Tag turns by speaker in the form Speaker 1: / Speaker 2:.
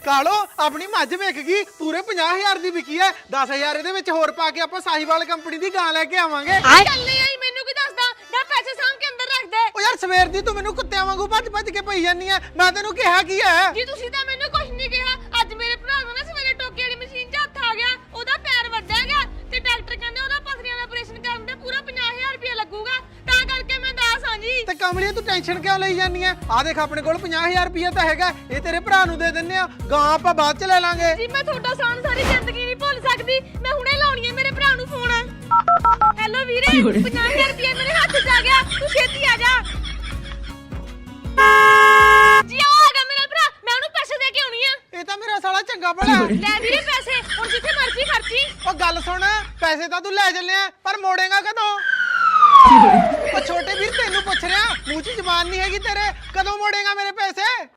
Speaker 1: ਕਾਲੋ ਆਪਣੀ ਮੱਝ ਵਿਕ ਗਈ ਪੂਰੇ 50000 ਦੀ ਵਿਕੀ ਹੈ 10000 ਇਹਦੇ ਵਿੱਚ ਹੋਰ ਪਾ ਕੇ ਆਪਾਂ ਸਾਹੀਵਾਲ ਕੰਪਨੀ ਦੀ ਗਾਂ ਲੈ ਕੇ ਆਵਾਂਗੇ
Speaker 2: ਚੱਲੇ ਆਈ ਮੈਨੂੰ ਕੀ ਦੱਸਦਾ ਨਾ ਪੈਸੇ ਸਾਂਭ ਕੇ ਅੰਦਰ ਰੱਖ ਦੇ
Speaker 1: ਓ ਯਾਰ ਸਵੇਰ ਦੀ ਤੂੰ ਮੈਨੂੰ ਕੁੱਤਿਆਂ ਵਾਂਗੂ ਭੱਜ ਕੇ ਪਈ ਜਾਂਦੀ ਐ ਮੈਂ ਤੈਨੂੰ ਕਿਹਾ ਕੀ ਹੈ
Speaker 2: ਜੀ ਤੁਸੀਂ ਤਾਂ ਮੈਨੂੰ ਕੁਝ ਨਹੀਂ ਕਿਹਾ ਅੱਜ ਮੇਰੇ ਭਰਾ ਨੂੰ ਨਾ ਸਵੇਰੇ ਟੋਕੇ ਵਾਲੀ ਮਸ਼ੀਨ 'ਚ ਹੱਥ ਆ ਗਿਆ ਉਹਦਾ ਪੈਰ ਵੱਢਿਆ ਗਿਆ ਤੇ ਡਾਕਟਰ ਕਹਿੰਦੇ ਉਹਦਾ ਪਥਰੀਆਂ ਦਾ ਆਪਰੇਸ਼ਨ ਕਰਨ ਦੇ ਪੂਰਾ 50000 ਰੁਪਏ ਲੱਗੂਗਾ ਤਾਂ ਕਰਕੇ ਮੈਂ ਦੱਸ ਹਾਂ ਜੀ
Speaker 1: ਤੇ ਕਮਲੀਏ ਤੂੰ ਟੈਨਸ਼ਨ ਕਿਉਂ ਲਈ ਜਾਂਦੀ ਐ ਆ ਦੇਖ ਆਪਣੇ ਕੋਲ 50000 ਰੁਪਏ ਤਾਂ ਹੈਗਾ ਇਹ ਤੇਰੇ ਭਰਾ ਨੂੰ ਦੇ ਦਿੰਨੇ ਆ ਗਾਂ ਆਪਾਂ ਬਾਅਦ ਚ ਲੈ ਲਾਂਗੇ
Speaker 2: ਜੀ ਮੈਂ ਤੁਹਾਡਾ ਸਾਨ ਸਾਰੀ ਜ਼ਿੰਦਗੀ ਨਹੀਂ ਭੁੱਲ ਸਕਦੀ ਮੈਂ ਹੁਣੇ ਲਾਉਣੀ ਹੈ ਮੇਰੇ ਭਰਾ ਨੂੰ ਫੋਨ ਹੈਲੋ ਵੀਰੇ 50000 ਰੁਪਏ ਮੇਰੇ ਹੱਥ 'ਚ ਆ ਗਿਆ ਤੂੰ ਛੇਤੀ ਆ ਜਾ ਜੀ ਆ ਗਿਆ ਮੇਰਾ ਭਰਾ ਮੈਂ ਉਹਨੂੰ ਪੈਸੇ ਦੇ ਕੇ ਆਉਣੀ ਆ
Speaker 1: ਇਹ ਤਾਂ ਮੇਰਾ ਸਾਲਾ ਚੰਗਾ ਭਲਾ
Speaker 2: ਲੈ ਵੀਰੇ ਪੈਸੇ ਹੁਣ ਜਿੱਥੇ ਮਰਜ਼ੀ ਖਰਚੀ
Speaker 1: ਓ ਗੱਲ ਸੁਣ ਪੈਸੇ ਤਾਂ ਤੂੰ ਲੈ ਚੱਲਿਆ ਪਰ ਮੋੜੇਗਾ ਕਦੋਂ ਓ ਛੋਟੇ ਵੀਰ ਤੈਨੂੰ ਪੁੱਛ ਰਿਹਾ ਮੂੰਹ 'ਚ ਜ਼ਬਾਨ ਨਹੀਂ ਹੈਗੀ ਤੇਰੇ ਕਦੋਂ ਮੋੜੇਗਾ ਮੇਰੇ ਪੈਸੇ